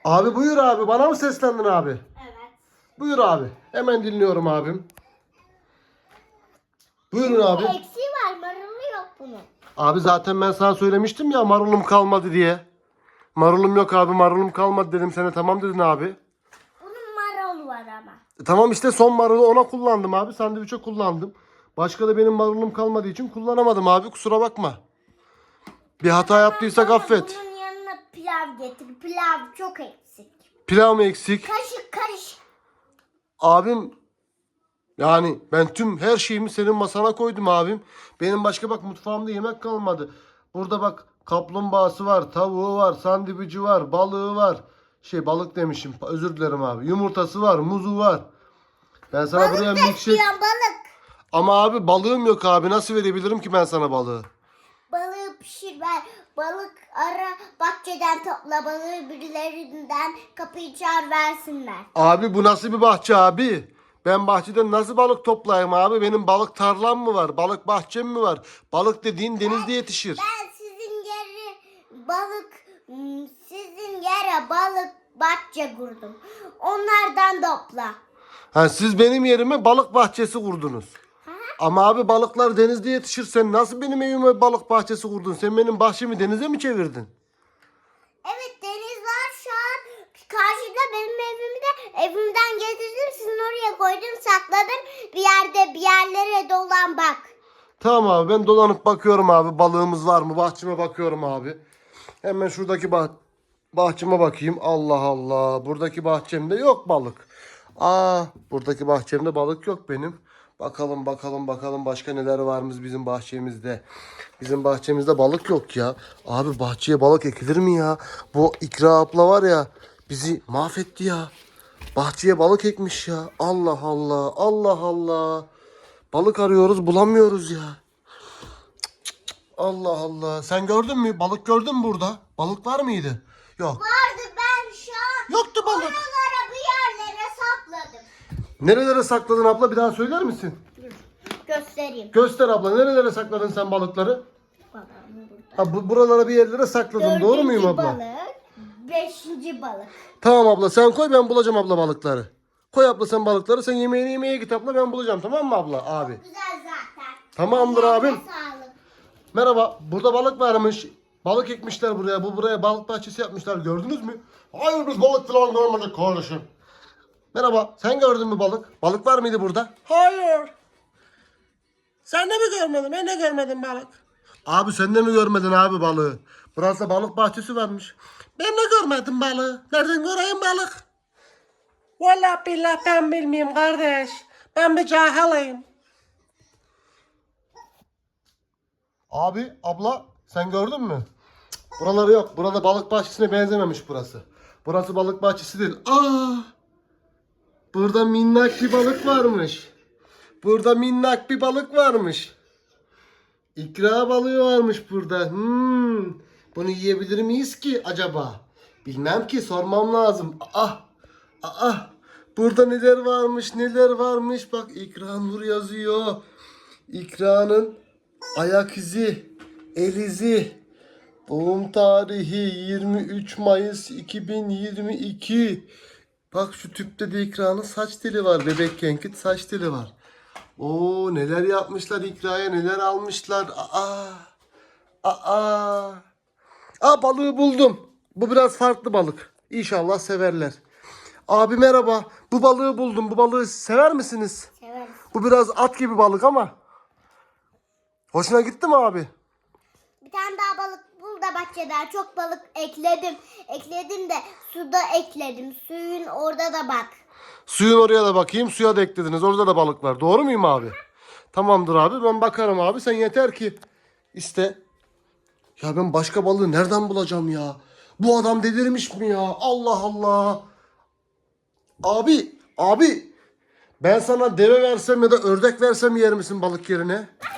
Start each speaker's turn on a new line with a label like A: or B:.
A: Abi buyur abi. Bana mı seslendin abi?
B: Evet.
A: Buyur abi. Hemen dinliyorum abim. Buyurun abi.
B: Eksiği var, marulu yok bunun.
A: Abi zaten ben sana söylemiştim ya marulum kalmadı diye. Marulum yok abi, marulum kalmadı dedim sana. Tamam dedin abi.
B: Bunun marulu var ama.
A: Tamam işte son marulu ona kullandım abi. Sandviçe kullandım. Başka da benim marulum kalmadığı için kullanamadım abi. Kusura bakma. Bir hata yaptıysak
B: Bana
A: affet.
B: bunun yanına pilav getir. Pilav çok eksik.
A: Pilav mı eksik?
B: Kaşık karış.
A: Abim yani ben tüm her şeyimi senin masana koydum abim. Benim başka bak mutfağımda yemek kalmadı. Burada bak kaplumbağası var, tavuğu var, sandviçi var, balığı var. Balık demişim. Özür dilerim abi. Yumurtası var, muzu var. Ben sana buraya
B: Balık da
A: milkshake...
B: istiyorum, balık.
A: Ama abi balığım yok abi. Nasıl verebilirim ki ben sana balığı?
B: Balığı pişir ver. Balık ara, bahçeden topla, balığı birilerinden kapıyı çağır versinler.
A: Abi bu nasıl bir bahçe abi? Ben bahçeden nasıl balık toplayayım abi? Benim balık tarlam mı var? Balık bahçem mi var? Balık dediğin denizde yetişir.
B: Ben sizin yere balık bahçe kurdum. Onlardan topla.
A: Ha, siz benim yerime balık bahçesi kurdunuz. Ama abi balıklar denizde yetişir. Sen nasıl benim evime balık bahçesi kurdun? Sen benim bahçemi denize mi çevirdin?
B: Evet, deniz var şu an. Karşıda benim evimden getirdim. Sizin oraya koydum, sakladım. Bir yerlere dolan bak.
A: Tamam abi ben dolanıp bakıyorum abi. Balığımız var mı? Bahçeme bakıyorum abi. Hemen şuradaki bahçeme bakayım. Allah Allah. Buradaki bahçemde yok balık. Buradaki bahçemde balık yok benim. Bakalım başka neler varmış bizim bahçemizde. Bizim bahçemizde balık yok ya. Abi bahçeye balık ekilir mi ya? Bu İkra abla var ya bizi mahvetti ya. Bahçeye balık ekmiş ya. Allah Allah. Allah Allah. Balık arıyoruz bulamıyoruz ya. Allah Allah. Sen gördün mü? Balık gördün mü burada? Balık var mıydı? Yok.
B: Vardı, ben şu an
A: Yoktu balık.
B: oralara bir yerlere sakladım.
A: Nerelere sakladın abla? Bir daha söyler misin?
B: Göstereyim.
A: Göster abla. Nerelere sakladın sen balıkları?
B: Balığım burada.
A: Buralara bir yerlere sakladın. Doğru muyum abla?
B: Balık, 5. balık.
A: Tamam abla sen koy ben bulacağım abla balıkları. Koy abla sen balıkları. Sen yemeğini yemeye git abla ben bulacağım. Tamam mı abla? Abi.
B: Güzel zaten.
A: Tamamdır
B: Ellerine
A: abim.
B: sağlık.
A: Merhaba. Burada balık varmış. Balık ekmişler buraya. Buraya balık bahçesi yapmışlar. Gördünüz mü? Hayır biz balık falan görmedik kardeşim. Merhaba. Sen gördün mü balık? Balık var mıydı burada? Hayır. Sen de mi görmedin? Ben de görmedim balık. Abi sen de mi görmedin abi balığı? Burası balık bahçesi varmış. Ben de görmedim balığı. Nereden göreyim balık? Vallahi billahi ben bilmiyorum kardeş. Ben bir cahilim. Abi, abla sen gördün mü? Buraları yok. Burada balık bahçesine benzememiş burası. Burası balık bahçesi değil. Burada minnak bir balık varmış. Burada minnak bir balık varmış. İkra balığı varmış burada. Bunu yiyebilir miyiz ki acaba? Bilmem ki sormam lazım. Burada neler varmış. Bak İkra Nur yazıyor. İkra'nın ayak izi, el izi. Doğum tarihi 23 Mayıs 2022. Bak şu tüpte de İkra'nın saç teli var. Bebekkenki saç teli var. Oo neler yapmışlar İkra'ya neler almışlar. Balığı buldum. Bu biraz farklı balık. İnşallah severler. Abi merhaba. Bu balığı buldum. Bu balığı sever misiniz?
B: Severiz.
A: Bu biraz at gibi balık ama. Hoşuna gitti mi abi?
B: Bir tane daha balık bul da bahçeden. Çok balık ekledim. Ekledim de suda ekledim. Suyun orada da bak.
A: Suyun oraya da bakayım. Suya da eklediniz. Orada da balık var. Doğru muyum abi? Tamamdır abi. Ben bakarım abi. Sen yeter ki iste. Ya ben başka balığı nereden bulacağım ya? Bu adam delirmiş mi ya? Allah Allah. Abi. Ben sana deve versem ya da ördek versem yer misin balık yerine?